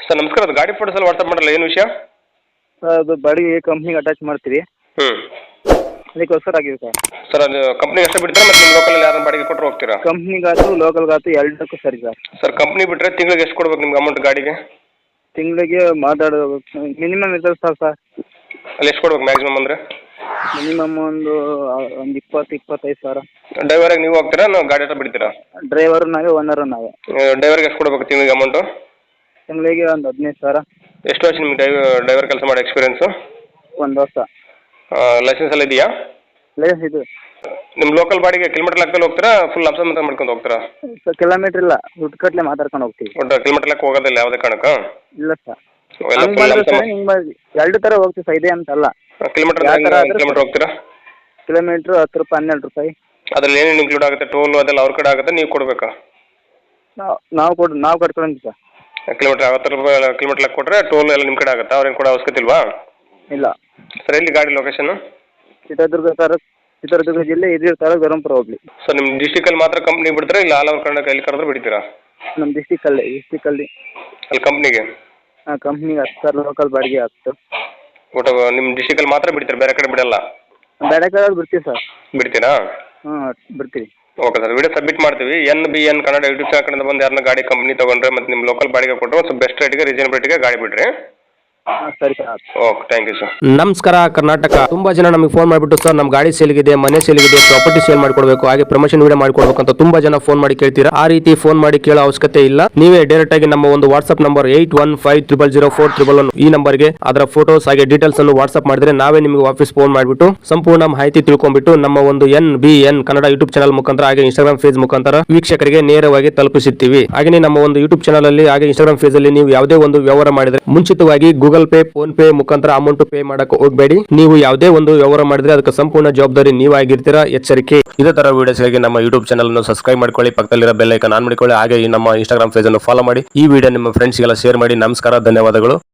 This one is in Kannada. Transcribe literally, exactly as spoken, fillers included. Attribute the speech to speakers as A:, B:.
A: ಸರ್ ನಮಸ್ಕಾರ, ಅದು ಗಾಡಿ ಫೋಟೋಸ್ ಎಲ್ಲ ವಾಟ್ಸಪ್ ಮಾಡಲ್ಲ, ಏನು ವಿಷಯ?
B: ಸರ್ ಅದು ಬಾಡಿಗೆ ಕಂಪ್ನಿಗೆ ಅಟ್ಯಾಚ್ ಮಾಡ್ತೀವಿ,
A: ಹ್ಞೂ
B: ಅದಕ್ಕೋಸ್ಕರ ಆಗಿದೆ ಸರ್.
A: ಸರ್ ಅದು ಕಂಪ್ನಿಗೆ ಅಷ್ಟೇ ಬಿಡ್ತೀರಾ ಮತ್ತು ನಿಮ್ಮ ಲೋಕಲಲ್ಲಿ ಯಾರನ್ನ ಬಾಡಿಗೆ ಕೊಟ್ಟರು ಹೋಗ್ತೀರಾ?
B: ಕಂಪ್ನಿಗಾಯ್ತು ಲೋಕಲ್ಗಾಯ್ತು ಎರಡಕ್ಕೂ ಸರಿ ಸರ್.
A: ಸರ್ ಕಂಪ್ನಿ ಬಿಟ್ಟರೆ ತಿಂಗಳಿಗೆ ಎಷ್ಟು ಕೊಡ್ಬೇಕು ನಿಮ್ಗೆ ಅಮೌಂಟ್ ಗಾಡಿಗೆ?
B: ತಿಂಗಳಿಗೆ ಮಾತಾಡೋ ಮಿನಿಮಮ್ ಇರ್ತದೆ ಸರ್ ಸರ್
A: ಅಲ್ಲಿ ಎಷ್ಟು ಕೊಡ್ಬೇಕು ಮ್ಯಾಕ್ಸಿಮಮ್ ಅಂದರೆ?
B: ಮಿನಿಮಮ್ ಒಂದು ಒಂದು ಇಪ್ಪತ್ತು ಇಪ್ಪತ್ತೈದು ಸಾವಿರ.
A: ಡ್ರೈವರಿಗೆ ನೀವು ಹೋಗ್ತೀರಾ ನಾವು ಗಾಡಿ ಹತ್ರ ಬಿಡ್ತೀರಾ?
B: ಡ್ರೈವರು ನಾವೇ, ಓನರು ನಾವೇ.
A: ಡ್ರೈವರ್ಗೆ ಎಷ್ಟು ಕೊಡ್ಬೇಕು ತಿಂಗಳಿಗೆ ಅಮೌಂಟು?
B: ತಿಂಗಳಿಗೆ ಒಂದು ಹದಿನೈದು ಸಾವಿರ.
A: ಎಷ್ಟು ವರ್ಷ ನಿಮ್ಗೆ ಡ್ರೈವ್ ಡ್ರೈವರ್ ಕೆಲಸ ಮಾಡೋ ಎಕ್ಸ್ಪೀರಿಯನ್ಸು?
B: ಒಂದು ವರ್ಷ.
A: ಲೈಸೆನ್ಸ್ ಎಲ್ಲ ಇದೆಯಾ?
B: ಲೈಸೆನ್ಸ್ ಇದು.
A: ನಿಮ್ಮ ಲೋಕಲ್ ಬಾಡಿಗೆ ಕಿಲೋಮೀಟರ್ ಲೆಕ್ಕದಲ್ಲಿ ಹೋಗ್ತೀರಾ ಫುಲ್ ಲಂಸ ಮಾತ್ರ ಮಾಡ್ಕೊಂಡು ಹೋಗ್ತೀರಾ?
B: ಸರ್ ಕಿಲೋಮೀಟ್ರ್ ಇಲ್ಲ, ದುಡ್ಡು ಕಟ್ಲೆ ಮಾತಾಡ್ಕೊಂಡು ಹೋಗ್ತೀವಿ.
A: ಒಟ್ಟು ಕಿಲೋಮೀಟರ್ ಲೆಕ್ಕ ಹೋಗೋದಿಲ್ಲ ಯಾವುದೇ ಕಾರಣಕ್ಕೆ?
B: ಇಲ್ಲ ಸರ್, ಹಂಗೆ ಮಾಡಿದ್ರೆ ಸರ್ ಹಿಂಗೆ ಮಾಡಿ ಎರಡು ಥರ ಹೋಗ್ತೀವಿ ಸರ್, ಇದೆ ಅಂತಲ್ಲ.
A: ಕಿಲೋಮೀಟರ್ ಕಿಲೋಮೀಟರ್ ಹೋಗ್ತೀರಾ?
B: ಕಿಲೋಮೀಟ್ರು ಹತ್ತು ರೂಪಾಯಿ ಹನ್ನೆರಡು ರೂಪಾಯಿ.
A: ಅದ್ರಲ್ಲಿ ಏನೇನು ಇನ್ಕ್ಲೂಡ್ ಆಗುತ್ತೆ? ಟೋಲು ಅದೆಲ್ಲ ಅವ್ರ ಕಡೆ ಆಗುತ್ತೆ, ನೀವು ಕೊಡಬೇಕಾ?
B: ನಾವು ನಾವು ಕೊಡು ನಾವು ಕಟ್ಕೊಳಂತೀವಿ ಸರ್.
A: ಕಿಲೋಮೀಟರ್ ಐವತ್ತು ರೂಪಾಯಿ ಕಿಲೋಮೀಟರ್ ಲೆಕ್ಕ ಕೊಟ್ಟರೆ ಟೋಲ್ ಎಲ್ಲ ನಿಮ್ಮ ಕಡೆ ಆಗುತ್ತೆ, ಅವ್ರೇನು ಕೊಡೋ ಅವಶ್ಯಕತೆ ಇಲ್ವಾ?
B: ಇಲ್ಲ
A: ಸರ್ ಎಲ್ಲಿ ಗಾಡಿ ಲೊಕೇಶನ್?
B: ಚಿತ್ರದುರ್ಗ ಸರ್, ಚಿತ್ರದುರ್ಗ ಜಿಲ್ಲೆ ಹಿರಿಯೂರು ತಾಲೂಕು ಧರ್ಮಪುರ ಹೋಗ್ಲಿ.
A: ಸರ್ ನಿಮ್ಮ ಡಿಸ್ಟಿಕಲ್ಲಿ ಮಾತ್ರ ಕಂಪ್ನಿ ಬಿಡ್ತೀರಾ ಇಲ್ಲ ಆಲ್ ಓವರ್ ಕರ್ನಾಟಕ ಎಲ್ಲಿ ಕರೆದ್ರೆ ಬಿಡ್ತೀರಾ?
B: ನಮ್ಮ ಡಿಸ್ಟಿಕಲ್ಲಿ ಡಿಸ್ಟಿಕಲ್ಲಿ
A: ಅಲ್ಲಿ ಕಂಪ್ನಿಗೆ?
B: ಹಾಂ ಕಂಪ್ನಿಗೆ ಹತ್ತು ಸರ್, ಲೋಕಲ್ ಬಾಡಿಗೆ ಹತ್ತು.
A: ಒಟ್ಟು ನಿಮ್ಮ ಡಿಸ್ಟಿಕಲ್ಲಿ ಮಾತ್ರ ಬಿಡ್ತೀರಾ, ಬೇರೆ ಕಡೆ ಬಿಡಲ್ಲ?
B: ಬೇರೆ ಕಡೆ ಬಿಡ್ತೀವಿ ಸರ್.
A: ಬಿಡ್ತೀರಾ?
B: ಹಾಂ ಬಿಡ್ತೀವಿ.
A: ಓಕೆ ಸರ್, ವಿಡಿಯೋ ಸಬ್ಮಿಟ್ ಮಾಡ್ತೀವಿ. N B N Kannada YouTube channel ಕಡೆಯಿಂದ ಬಂದು ಯಾರನ್ನ ಗಾಡಿ ಕಂಪ್ನಿ ತೊಗೊಂಡ್ರೆ ಮತ್ತು ನಿಮ್ಮ ಲೋಕಲ್ ಬಾಡಿಗೆ ಕೊಟ್ಟರೆ ಸ್ವಲ್ಪ ಬೆಸ್ಟ್ ರೇಟಿಗೆ ರೀಸನಬಲ್ ರೇಟಿಗೆ ಗಾಡಿ ಬಿಡ್ರಿ.
B: ಹಾಂ ಸರಿ sir.
A: Okay, thank you sir.
C: ನಮಸ್ಕಾರ ಕರ್ನಾಟಕ. ತುಂಬಾ ಜನ ನಮಗೆ ಫೋನ್ ಮಾಡಿಬಿಟ್ಟು ಸರ್ ನಮ್ಮ ಗಾಡಿ ಸೇಲ್ಗಿದೆ, ಮನೆ ಸೇಲ್ಗಿದೆ, ಪ್ರಾಪರ್ಟಿ ಸೇಲ್ ಮಾಡ್ಕೊಡ್ಬೇಕು, ಹಾಗೆ ಪ್ರಮೋಷನ್ ವಿಡಿಯೋ ಮಾಡ್ಕೊಡ್ಬೇಕು ಅಂತ ತುಂಬಾ ಜನ ಫೋನ್ ಮಾಡಿ ಕೇಳ್ತೀರಾ. ಆ ರೀತಿ ಫೋನ್ ಮಾಡಿ ಕೇಳೋ ಅವಶ್ಯಕತೆ ಇಲ್ಲ. ನೀವೇ ಡೈರೆಕ್ಟ್ ಆಗಿ ನಮ್ಮ ಒಂದು WhatsApp number eight one five triple zero four triple one ಈ ನಂಬರ್ಗೆ ಅದರ ಫೋಟೋಸ್ ಹಾಗೆ ಡೀಟೇಲ್ಸ್ ಅನ್ನು ವಾಟ್ಸ್ಆಪ್ ಮಾಡಿದ್ರೆ ನಾವೇ ನಿಮಗೆ ವಾಪಸ್ ಫೋನ್ ಮಾಡಿಬಿಟ್ಟು ಸಂಪೂರ್ಣ ಮಾಹಿತಿ ತಿಳ್ಕೊಂಡ್ಬಿಟ್ಟು ನಮ್ಮ ಒಂದು N B N Kannada YouTube channel ಮುಖಾಂತರ ಹಾಗೆ ಇನ್ಸ್ಟಾಗ್ರಾಮ್ ಫೇಸ್ ಮುಖಾಂತರ ವೀಕ್ಷಕರಿಗೆ ನೇರವಾಗಿ ತಲುಪಿಸುತ್ತೀವಿ. ಹಾಗೆ ನಮ್ಮ ಒಂದು ಯೂಟ್ಯೂಬ್ ಚಾನಲ್ ಅಲ್ಲಿ ಹಾಗೆ ಇನ್ಸ್ಟಾಗ್ರಾಮ್ ಫೇಸ್ ಅಲ್ಲಿ ನೀವು ಯಾವುದೇ ಒಂದು ವ್ಯವಹಾರ ಮಾಡಿದ್ರೆ ಮುಂಚಿತವಾಗಿ ಗೂಗಲ್ ಪೇ, ಫೋನ್ ಪೇ ಮುಖಾಂತರ ಅಮೌಂಟ್ ಪೇ ಮಾಡಕ್ಕೆ ಹೋಗಬೇಡಿ. ನೀವು ಯಾವುದೇ ಒಂದು ವ್ಯವಹಾರ ಮಾಡಿದ್ರೆ ಅದಕ್ಕೆ ಸಂಪೂರ್ಣ ಜವಾಬ್ದಾರಿ ನೀವಾಗಿರ್ತೀರಾ, ಎಚ್ಚರಿಕೆ. ಇದೇ ತರ ವಿಡಿಯೋಸ್ಗಾಗಿ ನಮ್ಮ ಯೂಟ್ಯೂಬ್ ಚಾನಲ್ ಅನ್ನು ಸಬ್ಸ್ಕ್ರೈಬ್ ಮಾಡ್ಕೊಳ್ಳಿ, ಪಕ್ಕದಲ್ಲಿರೋ ಬೆಲ್ ಐಕಾನ್ ಆನ್ ಮಾಡಿಕೊಳ್ಳಿ, ಹಾಗೆ ಈ ನಮ್ಮ ಇನ್ಸ್ಟಾಗ್ರಾಮ್ ಪೇಜ್ ಅನ್ನು ಫಾಲೋ ಮಾಡಿ. ಈ ವಿಡಿಯೋ ನಿಮ್ಮ ಫ್ರೆಂಡ್ಸ್ಗೆಲ್ಲ ಶೇರ್ ಮಾಡಿ. ನಮಸ್ಕಾರ, ಧನ್ಯವಾದಗಳು.